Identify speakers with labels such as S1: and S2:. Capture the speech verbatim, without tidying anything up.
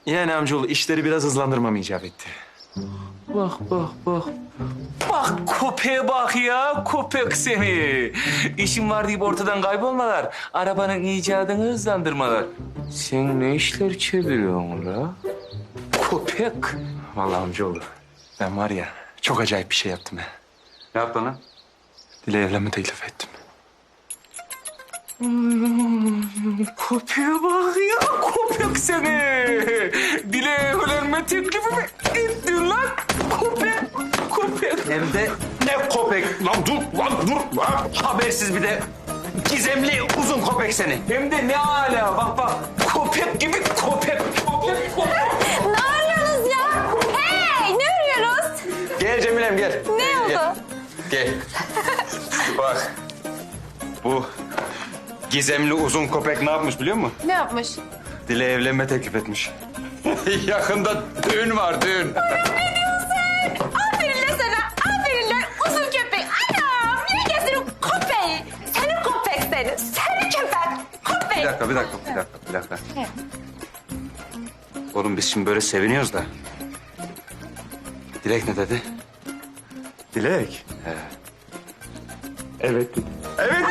S1: Yani amcaoğlu işleri biraz hızlandırmam icap etti.
S2: Bak bak bak. Bak köpeğe bak ya, köpek seni. İşin var deyip ortadan kaybolmalar. Arabanın icadını hızlandırmalar. Sen ne işler çeviriyorsun la? Köpek.
S1: Vallahi amcaoğlu ben var ya çok acayip bir şey yaptım ya.
S2: Ne yaptın lan?
S1: Dile evlenme teklif ettim.
S2: Köpeğe bak ya, köpek seni. Dile evlenme teklifi mi ettin lan? Köpek, köpek.
S3: Hem de ne köpek? Lan dur, lan dur. Lan. Habersiz bir de gizemli uzun köpek seni.
S2: Hem de ne ala, bak bak. Köpek gibi köpek. Köpek, köpek.
S4: Ne arıyorsunuz ya? Hey, ne arıyoruz?
S3: Gel Cemilem gel.
S4: Ne oldu?
S3: Gel. Gel. Bak. Bu gizemli uzun köpek ne yapmış biliyor musun?
S4: Ne yapmış?
S3: Dile evlenme teklif etmiş. Yakında düğün var, düğün.
S4: Aferin lan sana. Aferin lan uzun köpek. Anam, niye gezdin köpeği? Seni köpek seni. Seni köpek. Köpek.
S3: Bir dakika, bir dakika, bir dakika, bir dakika. Oğlum biz şimdi böyle seviniyoruz da. Dilek ne dedi?
S1: Dilek.
S3: He.
S1: Evet dedi.
S3: Evet